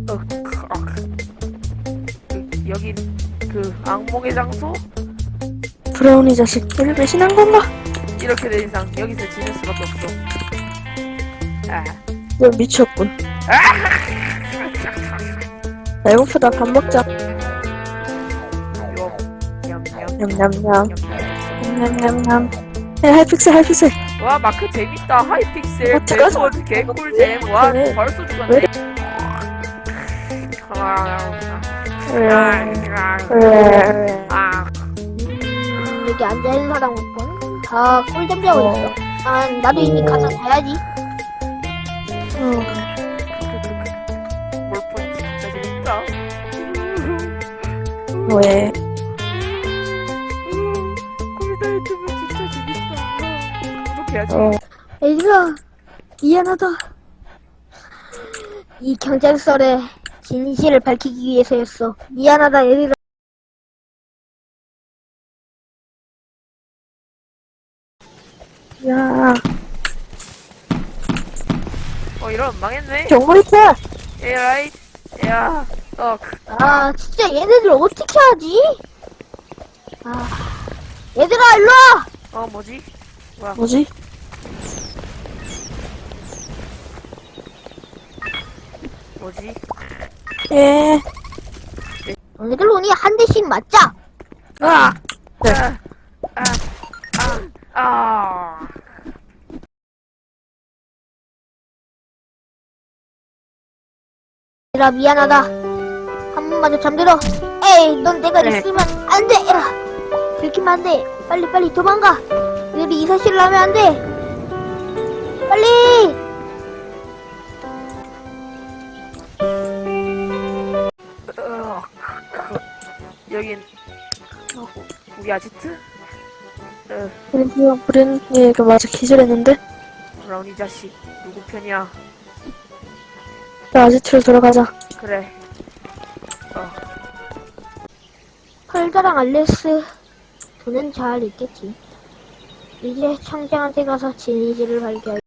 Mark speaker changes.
Speaker 1: 여긴 그 악몽의 장소?
Speaker 2: 브라우니 자식, 얘를 배신한 건가?
Speaker 1: 이렇게 된 이상 여기서 지낼 수밖에 없어. 아.
Speaker 2: 너 미쳤군. 배고프다, 밥 먹자.
Speaker 1: 요. 냠냠.
Speaker 2: 냠냠냠.
Speaker 1: 냠냠.
Speaker 2: 냠냠냠. 야, 하이픽셀, 하이픽셀.
Speaker 1: 와 마크 재밌다. 하이픽셀
Speaker 2: 잠깐,
Speaker 1: 배스워드 개꿀잼. 와
Speaker 2: 왜?
Speaker 1: 벌써
Speaker 2: 왜?
Speaker 1: 죽었네. 아.
Speaker 3: 여기 앉아있는 사람 없군. 다 꿀잠 자고 있어. 아, 나도 이미 가서 자야지.
Speaker 1: 몰폰 진짜 재밌다.
Speaker 2: 왜?
Speaker 1: 컴퓨터 유튜브 진짜 재밌다. 구독해야지.
Speaker 3: 얘들아, 미안하다. 이 경찰서의 진실을 밝히기 위해서였어. 미안하다, 얘들아.
Speaker 2: 야,
Speaker 1: 이러면 망했네.
Speaker 2: 정말이야.
Speaker 1: 에라이. 야.
Speaker 3: 아, 진짜 얘네들 어떻게 하지? 아, 얘들아, 일로와!
Speaker 1: 뭐지?
Speaker 2: 뭐지?
Speaker 1: 뭐지?
Speaker 2: 예.
Speaker 3: 너네들 오니 한 대씩 맞자!
Speaker 1: 아!
Speaker 2: 네.
Speaker 1: 아!
Speaker 3: 얘들아, 미안하다. 한 번만 더 잠들어. 에이, 넌 내가
Speaker 2: 네.
Speaker 3: 있으면 안 돼! 야, 들키면 안 돼! 빨리 도망가! 너희들이 이 사실을 하면 안 돼! 빨리!
Speaker 1: 여긴 우리 아지트?
Speaker 2: 그리고 우리는 얘가 맞아 기절했는데.
Speaker 1: 브라우니 자식 누구 편이야?
Speaker 2: 나 아지트로 돌아가자.
Speaker 1: 그래.
Speaker 3: 펄자랑 알레스 돈은 잘 있겠지. 이제 청장한테 가서 진이지를 발견.